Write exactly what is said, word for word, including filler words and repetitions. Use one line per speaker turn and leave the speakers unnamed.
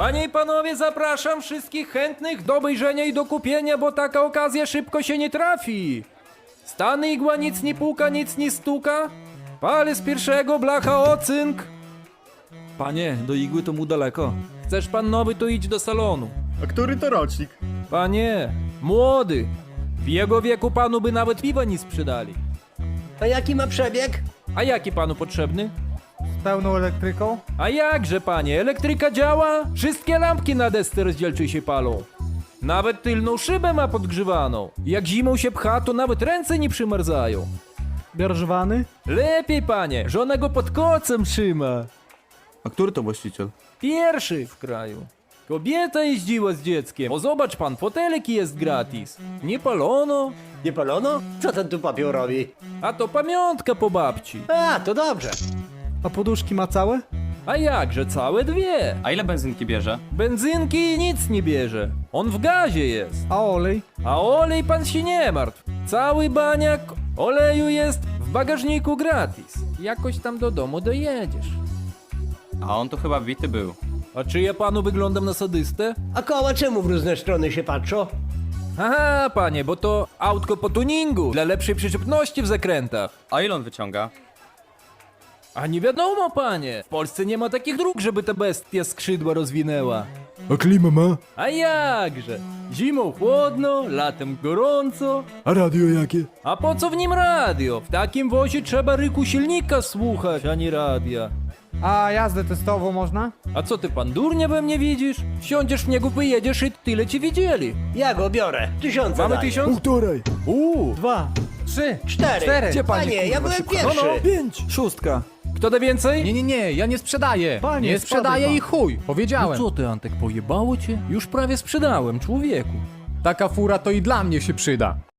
Panie i panowie, zapraszam wszystkich chętnych do obejrzenia i do kupienia, bo taka okazja szybko się nie trafi. Stany igła, nic nie puka, nic nie stuka. Palę z pierwszego, blacha ocynk.
Panie, do igły to mu daleko.
Chcesz pan nowy, to idź do salonu.
A który to rocznik?
Panie, młody. W jego wieku panu by nawet piwa nie sprzedali.
A jaki ma przebieg?
A jaki panu potrzebny?
Z pełną elektryką?
A jakże, panie, elektryka działa? Wszystkie lampki na desce rozdzielczej się palą. Nawet tylną szybę ma podgrzewaną. Jak zimą się pcha, to nawet ręce nie przymarzają.
Bierzwany?
Lepiej, panie, żona go pod kocem trzyma.
A który to właściciel?
Pierwszy w kraju. Kobieta jeździła z dzieckiem. O, zobacz pan, fotelik jest gratis. Nie palono,
Nie palono? Co ten tu papier robi?
a to pamiątka po babci.
A, to dobrze.
A poduszki ma całe?
A jakże, całe dwie.
A ile benzynki bierze?
Benzynki nic nie bierze. On w gazie jest.
A olej?
A olej pan się nie martw. Cały baniak oleju jest w bagażniku gratis. Jakoś tam do domu dojedziesz.
A on tu chyba bity był.
A czy ja panu wyglądam na sadystę?
A koła czemu w różne strony się patrzą?
Aha, panie, bo to autko po tuningu dla lepszej przyczepności w zakrętach.
A ile on wyciąga?
A nie wiadomo, panie. W Polsce nie ma takich dróg, żeby ta bestia skrzydła rozwinęła.
A klima ma?
A jakże? Zimą chłodno, latem gorąco.
A radio jakie?
A po co w nim radio? W takim wozie trzeba ryku silnika słuchać, a nie radia.
A jazdę testową można?
A co ty, pan durnia we mnie widzisz? Wsiądziesz w niego, wyjedziesz i tyle ci widzieli.
Ja go biorę. Tysiąca
Mamy
daję.
tysiąc?
Półtorej.
Uuu.
Dwa. Trzy.
Cztery.
Cztery.
Gdzie pani,
Panie, ja
kurwa,
byłem
szybko?
pierwszy.
No, no.
Pięć. Szóstka.
Kto da więcej?
Nie, nie, nie, ja nie sprzedaję.
Panie,
nie sprzedaję
spadaj
i chuj, powiedziałem.
No co ty, Antek, pojebało cię? Już prawie sprzedałem, człowieku.
Taka fura to i dla mnie się przyda.